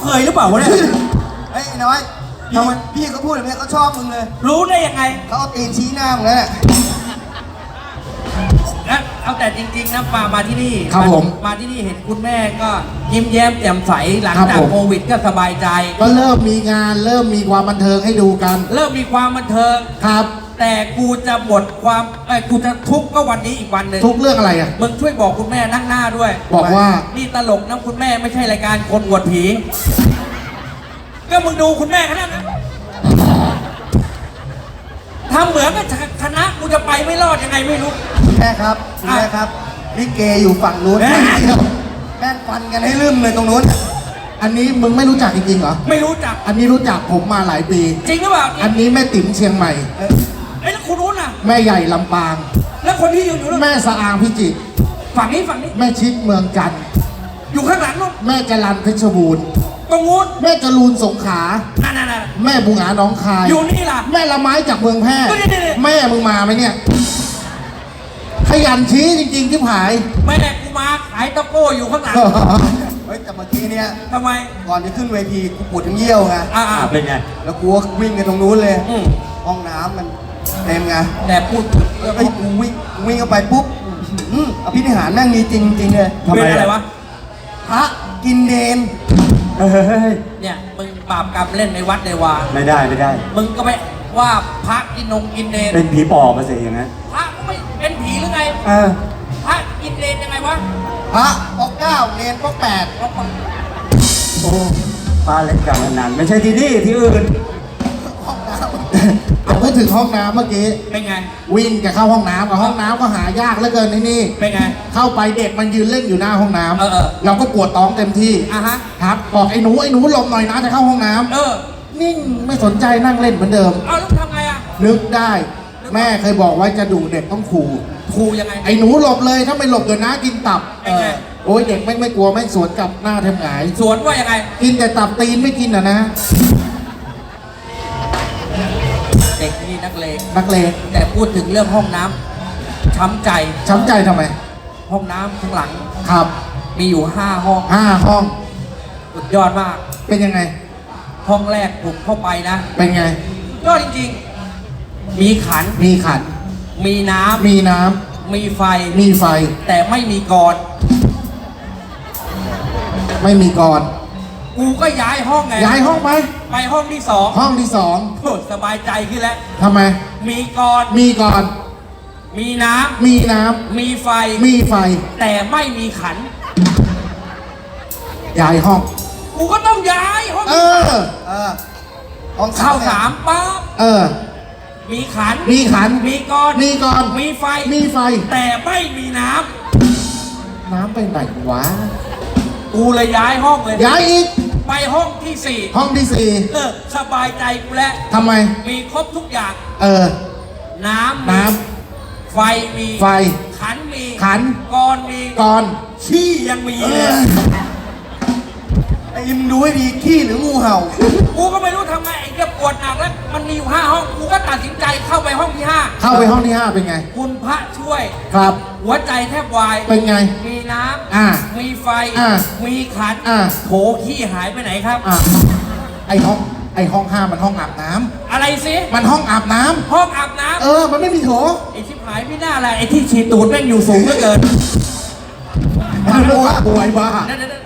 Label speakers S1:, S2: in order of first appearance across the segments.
S1: เคยหรือเปล่าวะเนี่ย
S2: เฮ้ยน้อยทำไมพี่เขาพูดแบบนี้เขาชอบมึงเลย
S1: รู้ได้ยังไง
S2: เขาเอาตีนชี้หน้ามึงแล้วเนี่ย
S1: แล้วเอาแต่จริงๆนะมาที่นี่
S3: ครับผม
S1: มาที่นี่เห็นคุณแม่ก็ยิ้มแย้มแจ่มใสหลัง
S3: ครับ
S1: จาก
S3: ผม
S1: โควิดก็สบายใจ
S3: ก็เริ่มมีงานเริ่มมีความบันเทิงให้ดูกัน
S1: เริ่มมีความบันเทิง
S3: ครับ
S1: แต่กูจะหมดความกูจะทุกข์ก็วันนี้อีกวันหนึ่ง
S3: ทุกเรื่องอะไรอ่ะ
S1: มึงช่วยบอกคุณแม่นั่งหน้าด้วย
S3: บอกว่า
S1: นี่ตลกนะคุณแม่ไม่ใช่รายการคนอวดผี ก็มึงดูคุณแม่ขนาดนั้นทำเหมือนกับคณะกูจะไปไม่รอดยังไงไม่รู้
S2: แม่ครับคุณแม่ครับลิเกอยู่ฝั่งนู้น
S1: เอ๊ะ
S2: แม่งฟันกันให้ลืมเลยตรงนู้น
S3: อันนี้มึงไม่รู้จักจริงๆเหรอ
S1: ไม่รู้จัก
S3: อันนี้รู้จักผมมาหลายปี
S1: จริงหรือเปล่า
S3: อันนี้แม่ติ๋มเชียงใหม่
S1: แล้วคุณรู้น่ะ
S3: แม่ใหญ่ลำปาง
S1: แล้วคนที่อยู่นู้น
S3: แม่สะอางพิจิตร
S1: ฝั่งนี้
S3: แม่ชิดเมืองจันทร์
S1: อยู่ข้างหลังนู้น
S3: แม่จรันเพชรบูรณ์
S1: ตรงนู้น
S3: แม่จรูนสงขลา
S1: นั่น
S3: แม่บุงหาหน้องคาย
S1: อยู่นี่ล่ะ
S3: แม่ละไม้จากเมืองแพร่
S1: นี่
S3: แม่มึงมาไหมเนี่ย ขยันชี้จริงๆที่ผาย
S1: แม่กูมาขายตะโก้อยู่ข้างหลัง
S2: เฮ้ยแต่เมื่อกี้เนี่ย
S1: ทำไม
S2: ก่อนจะขึ้นเวทีกูปวดทั้งเยี่ยวไง
S1: เป็นไง
S2: แล้วกูก็วิ่งกันตรงนู้นเลย
S1: อืม
S2: ห้องน้ำมันเต็มไง
S1: แต่พูดเรื่อง
S2: ไอ้ยกูวิ่งเข้าไปปุ๊บอภินิหารแม่งมีจริงเลย
S1: เป็นอะไรวะ
S2: พระกินเนน
S1: เนี่ยมึงบาปกรรมเล่นในวัดในวา
S4: ไม่ได้ไม่ได้
S1: มึงก็ไปว่าพระกินนงกินเนร
S4: เป็นผีปอบมาสิอย่างนั้น
S1: พระก็ไม่เป็นผีหรือไง
S4: เออ
S1: พระกินเนรยังไงวะ
S2: พระปอกเก้าเนนปอกแปด
S4: โอ้ป้าเล่นการพนันไม่ใช่ที่นี่ที่อื่น
S2: ห้องน้ำ
S3: เอาพูดถึงห้องน้ำเมื่อกี้
S1: เป็นไง
S3: วิ่งจะเข้าห้องน้ำกับห้องน้ำก็หายากเหลือเกินในนี่
S1: เป็นไง
S3: เข้าไปเด็กมันยืนเล่นอยู่หน้าห้องน้ำ
S1: เออ
S3: เราก็ปวดท้องเต็มที่
S1: อ่ะฮะ
S3: ครับบอกไอ้หนูหลบหน่อยนะจะเข้าห้องน้ำ
S1: เออ
S3: นิ่งไม่สนใจนั่งเล่นเหมือนเดิม
S1: เอาแล้วทำไงอ่ะ
S3: นึกได้ แม่เคยบอกไว้จะดุเด็กต้องขู่
S1: ครูยังไง
S3: ไอ้หนูหลบเลยถ้าไม่หลบเดี๋ยวน้ากินตับ
S1: เป็นไง
S3: โอ้ยเด็กไม่กลัวไม่สวนกลับหน้าแทบหงาย
S1: สวนว่ายังไง
S3: กินแต่ตับตีนไม่กินอ่ะนะ
S1: เด็กนี่นักเลง
S3: นักเลง
S1: แต่พูดถึงเรื่องห้องน้ำช้ำใจ
S3: ช้ำใจทำไม
S1: ห้องน้ำข้างหลัง
S3: ครับ
S1: มีอยู่5 ห้อง
S3: 5 ห้อง
S1: สุดยอดมาก
S3: เป็นยังไง
S1: ห้องแรกผมเข้าไปนะ
S3: เป็นไง
S1: ยอดจริงๆ มีขัน
S3: มีขัน
S1: มีน้ำ
S3: มีน้ำ
S1: มีไฟ
S3: มีไฟ
S1: แต่ไม่มีกร
S3: ไม่มีกร
S1: กูก็ย้ายห้องไง
S3: ย้ายห้องไป
S1: ไปห้องที่
S3: ห้องที่
S1: 2โอ้สบายใจขึ้นแล้ว
S3: 2ทำไม
S1: มีกร
S3: มีกร
S1: มีน้
S3: มีน้
S1: ำ มีไฟ
S3: ำ มีไฟ
S1: แต่ไม่มีขัน
S3: ย้ายห้อง
S1: กูก็ต้องย้ายห้อง
S3: เออ
S2: เออห้อง
S1: เข้า
S2: เนี่ย
S1: 3ปั๊บ
S3: เออ
S1: มีขัน
S3: มีขัน
S1: มีกร
S3: มีกร
S1: มีไฟ
S3: มีไฟ
S1: แต่ไม่มีน้
S3: น้ำไปไหนวะ
S1: ำ กูเลยย้ายห้องเลย
S3: ย้ายอีก
S1: ไปห้องที่
S3: ห้องที่
S1: 4 สบายใจกูแล้ว
S3: 4ทำไม
S1: มีครบทุกอย่าง
S3: เออ
S1: น้ำ
S3: น้
S1: ไฟมี
S3: ไฟ
S1: ขันมี
S3: ขัน
S1: กรมี
S3: กร
S1: ขี้ยังมี
S3: เอ
S1: เลย
S3: อ
S2: ไอ้มึงดูให้ดีขี้หรืองูเห่า
S1: กูก็ไม่รู้ทำไงไอ้เจะปวดหนักแล้ว มันมีอยู่5 ห้อง กูก็ตัดสินใจเข้าไปห้องที่
S3: เข้าไปห้องที่ 5 เป็นไง
S1: 5 คุณพระช่วย
S3: ครับ
S1: หัวใจแทบวาย
S3: เป็นไง
S1: มีน้
S3: อ่า
S1: ำ มีไฟ
S3: อ่า
S1: มีขัน
S3: อ่า
S1: โถขี้หายไปไหนครับ
S3: อ่ะไอห้อง 5 มันห้องอาบน้ำ
S1: อะไรสิ
S3: มันห้องอาบน้ำ
S1: ห้องอาบน้
S3: เออ มันไม่มีโถ
S1: ำ ไอ้ชิบหายไม่น่าอะไรไอ้ที่ฉีดตูดแม่งอยู่สูงเหลือเกิน
S3: มันรู้ว่าป่วยบ้า
S1: นั่น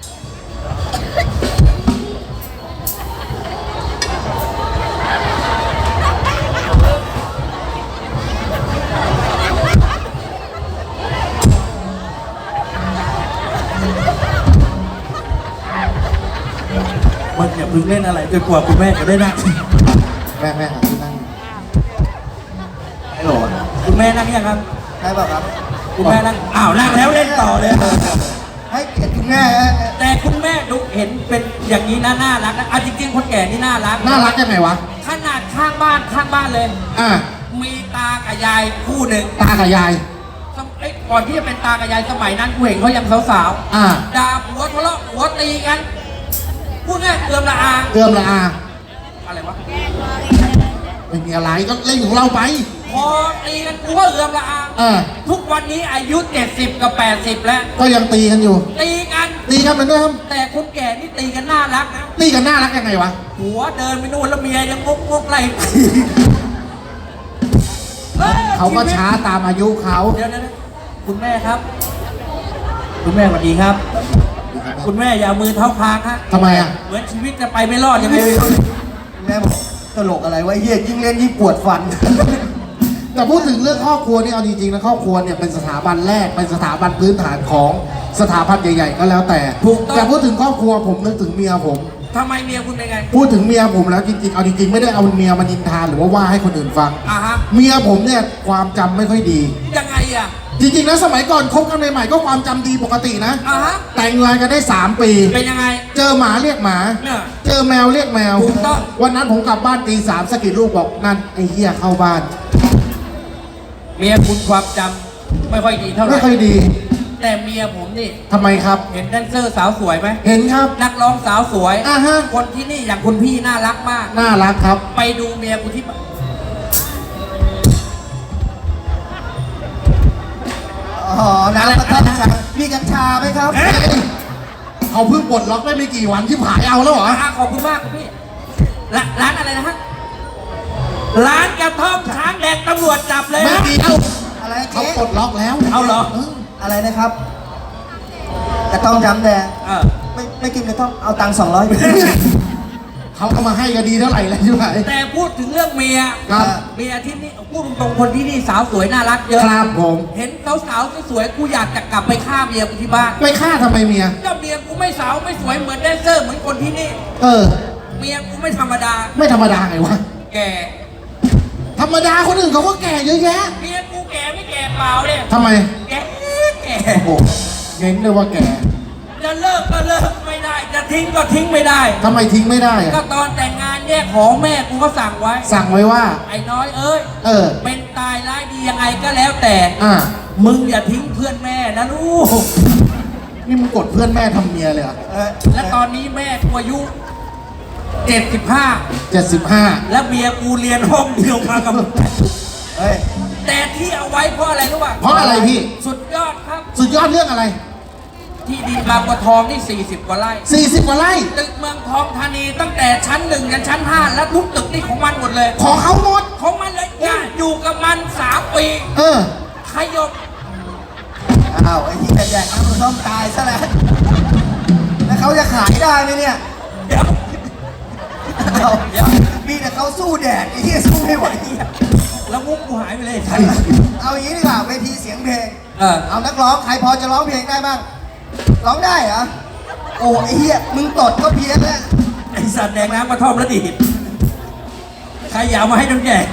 S1: มึงอย่าเพิ่งเล่นอะไรจนกว่าคุณแม่จะได้นั่ง
S3: แม่หาที่นั่ง
S2: ไม่หรอ
S1: คุณแม่นั่งยังครับ
S2: ใช่ป่ะครับ
S1: คุณแม่นั่ง อ้าวนั่งแล้วเล่นต่อเลย
S2: ให้เกียรติคุณแม่ฮะ
S1: แต่คุณแม่ดูเห็นเป็นอย่างนี้นะน่ารักนะจริงๆคนแก่นี่น่ารัก
S3: น่ารักยังไงวะ
S1: ขนาดข้างบ้านเลย
S3: อ่ะ
S1: มีตากับยายคู่หนึ่ง
S3: ตากับยาย
S1: ก่อนที่จะเป็นตากับยายสมัยนั้นกูเห็นเขายังสาว
S3: อ่ะ
S1: ๆด่าผัวทะเลาะผัวตีกันพูดง่ายเอือมละอา
S3: เอื้อมละอา
S1: อะไรวะ
S3: ไม่มีอะไรก็เล่นของเราไป
S1: คพอตีกันกูก็เอือมละอา ทุกวันนี้อายุ 70 กับ 80 แล้ว
S3: ก็ยังตีกันอยู่
S1: ตีกัน
S3: ตีกันเหมือนเดิม
S1: แต่คนแก่นี่ตีกันน่ารักนะ
S3: ตีกันน่ารักยังไงวะ
S1: หัวเดินไปนู่นแล้วเมียยังงกไล่
S3: เขาก็ช้าตามอายุเขา
S1: เดี๋ยวคุณแม่ครับ คุณแม่สวัสดีครับ คุณแม่อย่าเอามือเท้าคางฮะ
S3: ทำไมอ่ะ
S1: เหมือนชีวิตจะไปไม่รอดยังไงไม่รู้
S2: แม่บอกตลกอะไรวะเฮียยิ่งเล่นยิ่งปวดฟัน
S3: แต่พูดถึงเรื่องครอบครัวนี่เอาจริงๆนะครอบครัวเนี่ยเป็นสถาบันแรกเป็นสถาบันพื้นฐานของสถาบันใหญ่ๆก็แล้วแต่แต่พูดถึงครอบครัวผมนึกถึงเมียผม
S1: ทำไมเมียคุณเป็นไง
S3: พูดถึงเมียผมแล้วจริงๆเอาจริงๆไม่ได้เอาเมียมานินทาหรือว่าให้คนอื่นฟัง
S1: อ่ะฮะ
S3: เมียผมเนี่ยความจำไม่ค่อยดี
S1: ยังไงอ่ะ
S3: จริงๆแล้วสมัยก่อนคบกันใหม่ๆก็ความจำดีปกตินะ
S1: อ่ะฮะ
S3: แต่งงานกันได้ 3 ปี
S1: เป็นยังไง
S3: เจอหมาเรียกหมา
S1: เนี่ย
S3: เจอแมวเรียกแมว
S1: ถูกต้อง
S3: วันนั้นผมกลับบ้านตี 3สะกิดลูกบอกนั่นไอ้เหี้ยเข้าบ้าน
S1: เมียคุณความจำไม่ค่อยดีเท่าไหร่
S3: ไม่ค่อยดี
S1: แต่เมียผมนี่
S3: ทำไมครับ
S1: เห็นแดนเซอร์สาวสวยไหม
S3: เห็นครับ
S1: นักร้องสาวสวย
S3: อ่าฮะ
S1: คนที่นี่อย่างคุณพี่น่ารักมาก
S3: น่ารักครับ
S1: ไปดูเมียกูที่
S2: อ๋อ น้ำกระท่อมชามีกัญชาไหมครับ
S1: เอ๊ะ
S3: เขาเพิ่งปลดล็อกได้ไม่กี่วันที่ผายเอาแล้วเหรอ
S1: ขอบคุณมากคุณพี่ร้านอะไรนะฮะ ร้านกระท่อมช้างแดงตำรวจจับเลย
S3: ไม่
S1: นะ
S3: เดียว
S2: อะไร
S3: เขา
S2: เจ๊
S3: ปลดล็อกแล้ว
S1: เอาเหรอ
S2: อะไรนะครับ กระท่อมจำแดง
S1: เออ
S2: ไม่กินกระท่อม เอาตังค์200
S3: เขาเอามาให้ก็ดีเท่าไหร่แล้วใช่ไหม
S1: แต่พูดถึงเรื่องเมีย
S3: ครับ
S1: เมียที่นี่พูดตรงๆคนที่นี่สาวสวยน่ารักเยอะ
S3: ครับผม
S1: เห็นสาวๆสวยๆกูอยากจะกลับไปฆ่าเมียกูที่บ้าน
S3: ไปฆ่าทำไมเมีย
S1: เจ้าเมียกูไม่สาวไม่สวยเหมือนแดนเซอร์เหมือนคนที่นี่
S3: เออ
S1: เมียกูไม่ธรรมดา
S3: ไม่ธรรมดาไงวะ
S1: แก่
S3: ธรรมดาคนอื่นเขาก็แก่เยอะแยะ
S1: เมียกูแก่ไม่แก่เปล่าเนี่ย
S3: ทำไม
S1: แก่แก่
S3: โอ้เน้นเลยว่าแก่
S1: จะเลิกก็เลิกไม่ได้ จะทิ้งก็ทิ้งไม่ได้
S3: ทำไมทิ้งไม่ได้
S1: ก็
S3: อะ
S1: ตอนแต่งงานแยกของแม่กูก็สั่งไว้
S3: สั่งไว้ว่า
S1: ไอ้น้อยเอ้ย
S3: เออ
S1: เป็นตายร้ายดียังไงก็แล้วแต่
S3: อ่า
S1: มึงอย่าทิ้งเพื่อนแม่นะลูก
S3: นี่มึงกดเพื่อนแม่ทำเมียเลยเหรอ่ะ
S1: และตอนนี้แม่กูอายุ 75
S3: 75
S1: แล้วเมียกูเรียนห้องเดียวมากับมึง
S2: เฮ้ย
S1: แต่ที่เอาไว้เพราะอะไรรู้ป่ะ
S3: เพราะอะไรพี่
S1: สุดยอดครับ
S3: สุดยอดเรื่องอะไร
S1: ที่ดีบางบัวทองนี่ 40 กว่าไร่
S3: 40 กว่าไร่
S1: ตึกเมืองทองธานีตั้งแต่ชั้น 1 ยันชั้น 5 แล้วทุกตึกนี่ของมันหมดเลย
S3: ของเขาหมด
S1: ของมันเลยจ้ะอยู่กับมัน 3 ปี
S3: เออ
S1: ขยบ
S2: อ้าว ไอ้ที่แดกน้ำกระท่อมตายซะแล้ว แล้วเขาจะขายได้ไหมเนี่ย
S1: เดี๋ยว
S2: เอามีแต่เขาสู้แดดไอ้ที่สู้ไม่ไหว
S1: แล้วมุกกูหายไปเลย
S2: เอาอย่างนี้ดีกว่าเวทีเสียงเพลง
S1: เออ
S2: เอานักร้อง ใครพอจะร้องเพลงได้บ้าง ร้องได้เหรอ โอ้ไอ้เหี้ย มึงตดก็เพี้ยนแล้ว
S1: ไอสัตว์แดงน้ำกระท่อมแล้วดีดใครอยากมาให้น้ำแดง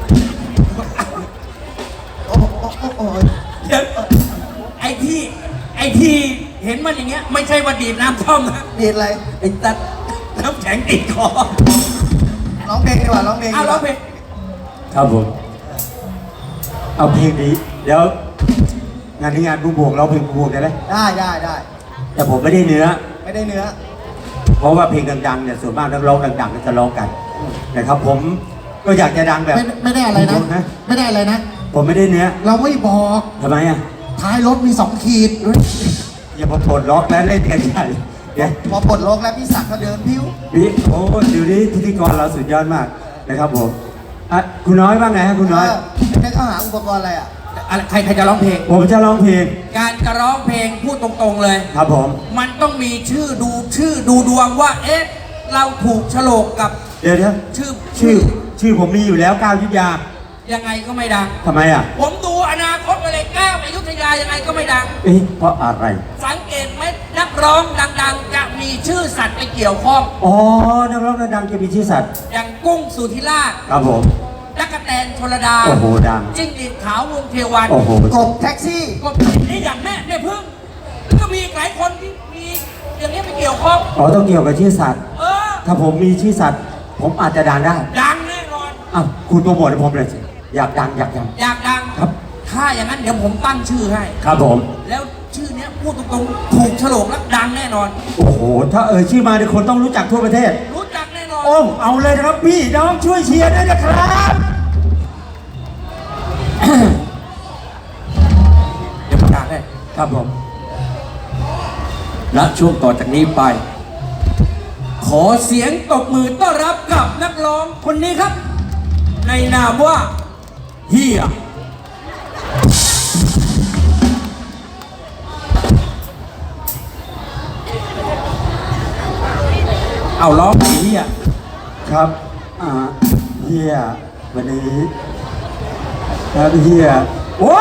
S2: โอ้โหโอ้โหโอ้โห
S1: เดี๋ยวไอ้ที่เห็นมันอย่างเงี้ยไม่ใช่ว่าดีดน้ำท่อมนะ
S2: ดีดอะไร
S1: ไอ้ตัดน้ำแข็งติดคอ
S2: ร้องเพลงดีกว่า ร้องเพลง
S1: เอา
S2: ดีก
S1: ร้อ
S2: ว่าง
S1: เพลง
S4: ครับผม เอาเพลงนี้เดี๋ยวงานที่งานบูบวงเราเพลงบูบวงได้ไหม
S2: ได้ได้ได้
S4: แต่ผมไม่ได้เนื้อ
S2: ไม่ได้เนื้อ
S4: เพราะว่าเพลงดังๆเนี่ยส่วนมากนักร้องดังๆก็จะร้องกันนะครับ ผมก็อยากจะดังแบบ
S3: ไม่ได้อะไรนะ ไม่ได้อะไรนะ
S4: ผมไม่ได้เนื้อ
S3: เราไม่บอก
S4: ทำไมอ่ะ
S3: ท้ายรถมี 2 ขีด
S4: อย่ามาปลดล็อกแล้วเล่นกันใหญ่เดี๋ยว
S2: พอปลดล็อกแล้วพี่ศักดิ์ก็เดินพิ้ว
S4: พี่โอ้เดี๋ยวนี้พิธีกรเราสุดยอดมากนะครับผมอ่ะคุณน้อยว่าไงฮะคุณน้อย
S2: ได้เข้าหาอุปกรณ์อะไรอ่ะ
S1: อะไรใครจะร้องเพลง
S4: ผมจะร้องเพลง
S1: การจะร้องเพลงพูดตรงๆเลย
S4: ครับผม
S1: มันต้องมีชื่อดูดวงว่า เอ๊ะ เราถูกโฉลกกับ
S4: เดี๋ยว ชื่อผมมีอยู่แล้วก้าวยุทธยา
S1: ยังไงก็ไม่ดัง
S4: ทำไมอ่ะ
S1: ผมดูอนาคตไปเลยก้าวอยุธยายังไงก็ไม่ดัง
S4: เอ๊ะเพราะอะไร
S1: สังเกตไหมนักร้องดังๆ จะมีชื่อสัตว์ไปเกี่ยวข้อง
S4: อ๋อนักร้องดังๆจะมีชื่อสัตว์
S1: อย่างกุ้งสุธิราช
S4: ครับผม
S1: ตั๊กแตนชลดา
S4: โอ้โหดัง
S1: จิ้งหรีดขาววงเทวัน
S4: โอ้โห
S2: กบแท็กซี่
S1: ก็นี่อย่างแม่พึ่งแล้วก็มีอีกหลายคนที่มีอย่างนี้ไปเกี่ยวข้อง
S4: อ๋อต้องเกี่ยวกับชื่อสัตว์
S1: เออ
S4: ถ้าผมมีชื่อสัตว์ ผมอาจจะดังได้
S1: ดังแน่นอน
S4: อ้าวคุณโปรโมทให้ผมเลยสิอยากดังอยากดัง
S1: อยากดัง
S4: ครับ
S1: ถ้าอย่างนั้นเดี๋ยวผมตั้งชื่อให้
S4: ครับผม
S1: แล้วชื่อเนี้ยพูดตรงๆถูกโฉลกแล้วดังแน่นอน
S4: โอ้โห ถ้าชื่อมาเนี่ยคนต้องรู้จักทั่วประเทศ
S1: รู้จักแน่นอน
S4: โอ้เอาเลยนะครับพี่น้องช่วยเชียร์ด้วยนะครับ
S1: เดี๋ยวประกาศให้
S4: ครับผม
S1: ณช่วงต่อจากนี้ไป ขอเสียงตบมือต้อนรับกับนักร้องคนนี้ครับ ในนามว่าเฮียเอาร้องไอ้เฮีย
S4: ครับเฮียวันนี้ครับเฮียโอ้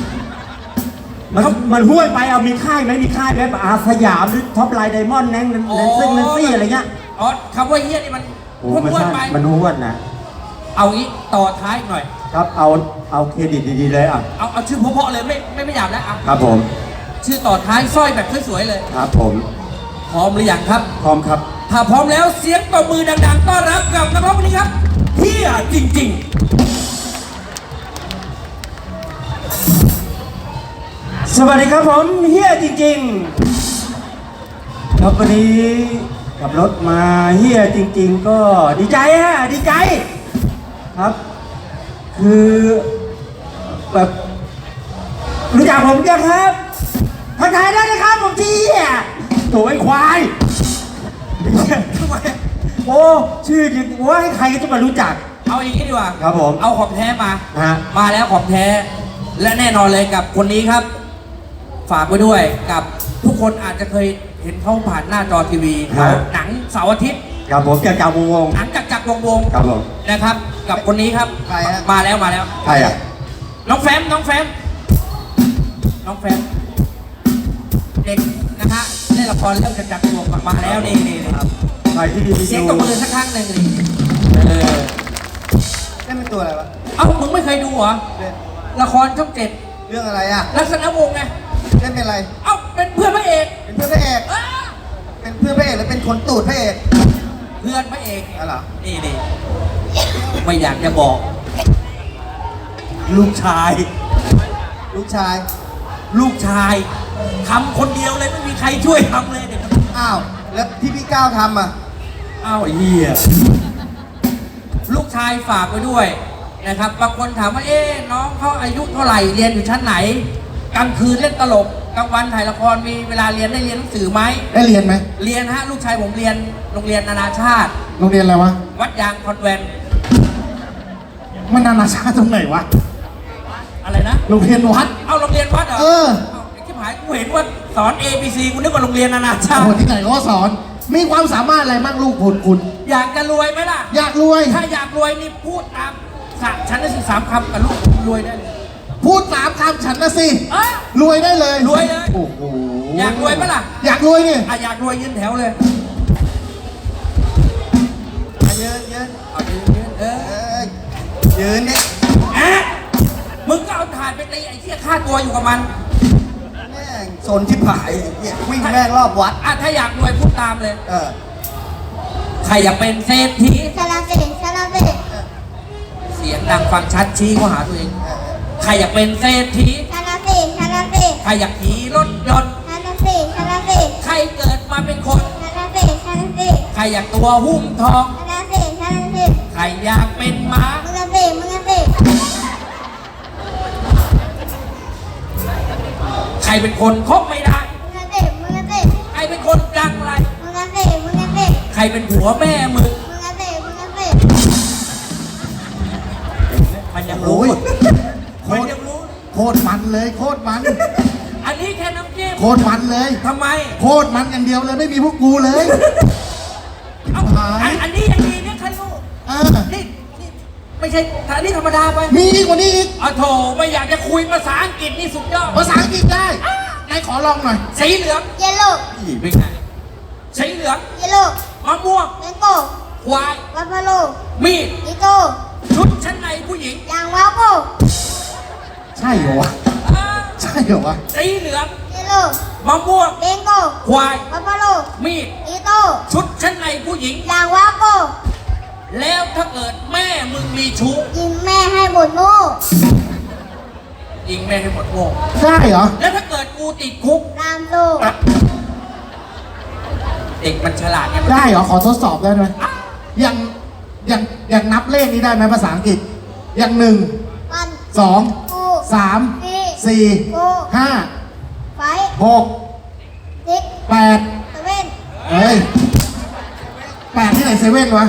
S4: มันห้วยไปเอามีค่ายไหมมีค่ายไหมอาสยามหรือท็อปไลน์ไดมอนด์แนนซึ่งนันซี่อะไรเงี้ย
S1: อ๋อคำว่าเฮียนี่มัน
S4: โอ้
S1: พูด
S4: มัน
S1: พูด
S4: ใช่
S1: ไป
S4: มันห้วนนะ
S1: เอางี้ต่อท้ายหน่อย
S4: ครับเอาเครดิตดีๆเลยอ่ะ
S1: เอาชื่อเพราะๆเลยไม่หยาบแล้วเอา
S4: ครับผม
S1: ชื่อต่อท้ายสร้อยแบบสวยๆเลย
S4: ครับผม
S1: พร้อมหรือยังครับ
S4: พร้อมครับ
S1: ถ้าพร้อมแล้วเสียงตบมือดังๆต้อนรับกับนักร้องคนนี้ครับเฮียจริง
S4: สวัสดีครับผมเฮียจริงๆครับวันนี้ขับรถมาเฮียจริง ๆ ก็ดีใจฮะดีใจครับ คือแบบรู้จักผมยังครับทักทายได้นะครับผมเฮียโถ่ไอ้ควาย
S1: ๆทำไม
S4: โอ้ชื่อจริงว่าให้ใครก็จะมารู้จัก
S1: เอาอย่างนี้ดีกว่า
S4: ครับผม
S1: เอาของแท้มา
S4: ฮะ
S1: มาแล้วของแท้ และแน่นอนเลยกับคนนี้ครับ ฝากไว้ด้วยกับทุกคนอาจจะเคยเห็นเขาผ่านหน้าจอทีวีหนังเสาร์อาทิตย์
S4: ครับผมจากวง
S1: หนังจักรวง
S4: ครับผม
S1: ๆนะครับ กับคนนี้ครับ
S2: ใครฮะ
S1: มาแล้ว
S4: ใครอ่ะ
S1: น้องแฟมน้องแฟมเด็กนะฮะเล่นละครเรื่องจักรวงศ์มาแล้วนี่
S4: ใครที่ดี
S1: เสียงตบมือสักครั้งหนึ่งนี่
S2: เล่นเป็นตัวอะไรวะ
S1: เอ้ามึงไม่เคยดูเหรอ
S2: เล่น
S1: ละครช่องเจ็ด
S2: เรื่องอะไรอ่ะ
S1: ลักษณะวงศ์ไง
S2: เล่นเป็นอะไร
S1: เอ้าเป็นเพื่อนพระเอก
S2: เป็นเพื่อนพระเอก
S1: อ้า
S2: เป็นเพื่อนพระเอกหรือเป็นคนตูดพระเอก
S1: เพื่อนพระเอก
S2: อะไรอ
S1: นี่ไม่อยากจะบอก ลูกชาย
S2: ลูกชาย
S1: ลูกชายทำคนเดียวเลยไม่มีใครช่วยทำเลยเด็ก
S2: อ้าว แล้วที่พี่ก้าวทำอ่ะ
S1: อ้าวไอ้เหี้ยลูกชายฝากไว้ด้วยนะครับบางคนถามว่าน้องเขาอายุเท่าไหร่เรียนอยู่ชั้นไหนกลางคืนเล่นตลกกลางวันถ่ายละครมีเวลาเรียนได้เรียนหนังสือไหม
S3: ได้เรียนไหม
S1: เรียนฮะลูกชายผมเรียนโรงเรียนนานาชาติ
S3: โรงเรียนอะไรวะ
S1: วัดยางคอนแวนต์
S3: มันนานาชาติตรงไหนวะ
S1: อะไรนะ
S3: โรงเรียนวัด
S1: เอาโรงเรียนวัดเหรอ
S3: เออ
S1: าไอ้ที่หายกูเห็นว่าสอน A B C กูนึกว่าโรงเรียนนานาชา
S3: โอ้
S1: ติ
S3: โหที่ไหนเขาก็สอน มีความสามารถอะไรบ้างลูกคุณ
S1: อยากจะรวยไหมล่ะ
S3: อยากรวย
S1: ถ้าอยากรวยนี่พูดตามฉันได้สิ3 คำกับลูกผมรวยได้เลย
S3: พูด3 คำฉันนะสิ
S1: อ่ะ
S3: รวยได้เลย
S1: รวยเลย
S3: โอ้โห
S1: อยากรวยปะล่ะ
S3: อยากรวยนี่
S1: อยากรวยยืนแถวเลย
S2: ยืนยืน
S1: เอายืน
S2: เออยืนเนี่ย
S1: อะมึงก็เอาถ่านไปตีไอ้เหี้ยฆ่าตัวอยู่กับมัน
S2: แม่งโซนที่ผายเนี่ยวิ่งแม่งรอบวัด
S1: อ่ะถ้าอยากรวยพูดตามเลย
S2: เออ
S1: ใครอยากเป็นเศรษฐี
S5: ซาลาเบะซาลาเบะ
S1: เสียงดังฟังชัดชี้เขาหาตัวเอง ใครอยากเป็นเศรษฐี
S5: ซาลาเบะซาลาเบะ
S1: ใครอยากขี่รถยนต์
S5: ซาลาเบะซาลาเบะ
S1: ใครเกิดมาเป็นคน
S5: ซาลาเบะซาลาเบะ
S1: ใครอยากตัวหุ้มทอง
S5: ซาลาเบะซาลาเบะ
S1: ใครอยากเป็นม้า
S5: มึงอะเบะมึงอะเบะ
S1: ใครเป็นคนคบไม่ได้
S5: มึงอะเบะมึงอะเบะ
S1: ใครเป็นคนดังไร
S5: มึงอะเบะมึงอะเบะ
S1: ใครเป็นผัวแม่มึง
S5: มึงอะเบะมึงอะเบะ
S1: มันยังรู้
S3: โอ้ย
S1: มันยังรู้
S3: โคตรมันเลย โคตรมัน
S1: อันนี้แค่น้ำจิ้ม
S3: โคตรมันเลย
S1: ทำไม
S3: โคตรมันอย่างเดียวเลยไม่มีพวกกูเลย
S1: เอ้า
S3: หาย
S1: อันนี้ยังดีเนี่ยคันลูก
S3: เออ
S1: นี่ไม่ใช่อันนี้ธรรมดาไป
S3: มีอีกกว่านี้อีก
S1: อ๋อโถไม่อยากจะคุยภาษาอังกฤษนี่สุดยอด
S3: ภาษาอังกฤษได้ไหนขอลองหน่อย
S1: สีเหลือง
S5: เยลโล่
S1: อีเป็นไงสีเหลือง
S5: เยลโล่
S1: มะม่วง
S5: แมงโก้
S1: ควาย
S5: วัฟเฟโล
S1: มีด
S5: ลิโก้
S1: ชุดชั้นในผู้หญิง
S5: ยางว้าวโก้
S3: ใช่เหรอวะ
S1: อ่า
S3: ใช่เหรอวะ
S1: สีเหลือง
S5: เยลโล่
S1: มะม่วง
S5: แมงโก้
S1: ควาย
S5: วัฟเฟโล
S1: มีด
S5: ลิโก้
S1: ชุดชั้นในผู้หญิง
S5: ยางว้าวโก้
S1: แล้วถ้าเกิดแม่มึงมีชู้
S5: ยิงแม่ให้หมดโง่
S1: ยิงแม่ให้หมดโง่
S3: ได้เหรอ
S1: แล้วถ้าเกิดกูติดคุก
S5: ตามโลก
S1: เด็กมันฉลาดไง
S3: ได้เหรอ ขอทดสอบได้ไหมอย่างนับเลขนี้ได้ไหมภาษาอังกฤษ อย่าง1
S5: วัน
S3: 2 2
S5: กู
S3: 3
S5: สี่
S3: 4
S5: กู
S3: 5
S5: ไฟ
S3: 6
S5: ซิก
S3: 8
S5: เซเว่น
S3: เฮ้ย 8ที่ไหนเซเว่นวะ